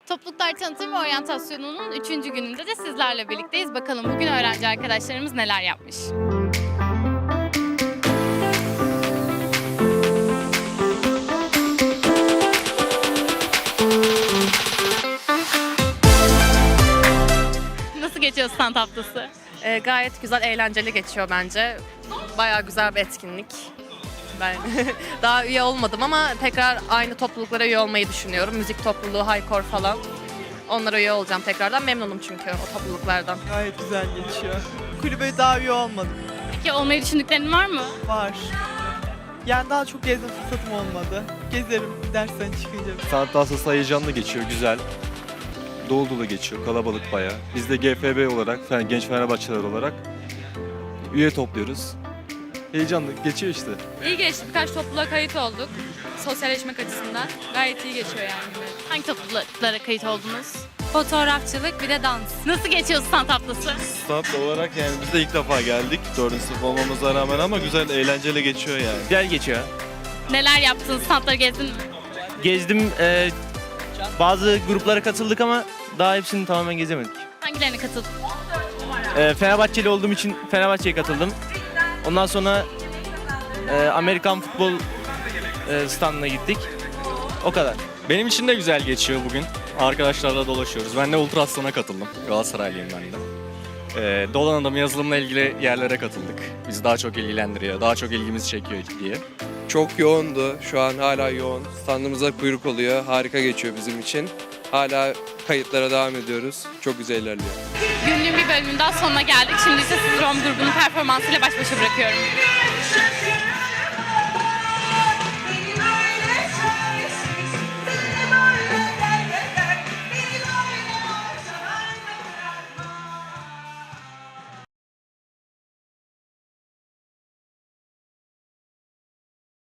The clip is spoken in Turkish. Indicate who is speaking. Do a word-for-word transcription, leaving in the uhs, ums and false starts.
Speaker 1: Topluluklar Tanıtım ve Oryantasyonu'nun üçüncü gününde de sizlerle birlikteyiz. Bakalım bugün öğrenci arkadaşlarımız neler yapmış. Nasıl geçiyor stand haftası?
Speaker 2: E, gayet güzel, eğlenceli geçiyor bence. Bayağı güzel bir etkinlik. Ben daha üye olmadım ama tekrar aynı topluluklara üye olmayı düşünüyorum. Müzik topluluğu, Haykor falan. Onlara üye olacağım tekrardan. Memnunum çünkü o topluluklardan.
Speaker 3: Gayet güzel geçiyor. Kulübe daha üye olmadım.
Speaker 1: Peki olmayı düşündüklerin var mı?
Speaker 3: Var. Yani daha çok gezme fırsatım olmadı. Gezerim dersten çıkınca.
Speaker 4: Sanat haftası heyecanlı geçiyor, güzel. Dolu dolu geçiyor, kalabalık bayağı. Biz de G F B olarak, yani Genç Fenerbahçeler olarak üye topluyoruz. Heyecanlı geçiyor işte.
Speaker 5: İyi geçti. Birkaç topluluğa kayıt olduk. Sosyalleşmek açısından. Gayet iyi geçiyor yani.
Speaker 1: Hangi topluluklara kayıt oldunuz?
Speaker 5: Fotoğrafçılık bir de dans.
Speaker 1: Nasıl geçiyor stand haftası?
Speaker 6: Stat olarak yani biz de ilk defa geldik. Dördüncü sınıf olmamıza rağmen ama güzel, eğlenceli geçiyor yani.
Speaker 7: Güzel geçiyor.
Speaker 1: Neler yaptınız? Standları gezdin mi?
Speaker 7: Gezdim, e, bazı gruplara katıldık ama daha hepsini tamamen gezemedik.
Speaker 1: Hangilerine katıldın?
Speaker 7: E, Fenerbahçeli olduğum için Fenerbahçe'ye katıldım. Ondan sonra e, Amerikan futbol e, standına gittik. O kadar.
Speaker 8: Benim için de güzel geçiyor bugün. Arkadaşlarla dolaşıyoruz. Ben de Ultraslan'a katıldım. Galatasaraylıyım ben de. Ee, Dolan'da yazılımla ilgili yerlere katıldık. Bizi daha çok ilgilendiriyor, daha çok ilgimizi çekiyor diye.
Speaker 9: Çok yoğundu. Şu an hala yoğun. Standımıza kuyruk oluyor. Harika geçiyor bizim için. Hala kayıtlara devam ediyoruz. Çok güzel ilerliyor.
Speaker 1: Günlüğün bir bölümünün daha sonuna geldik. Şimdi ise sizi Rom grubunun performansıyla baş başa bırakıyorum.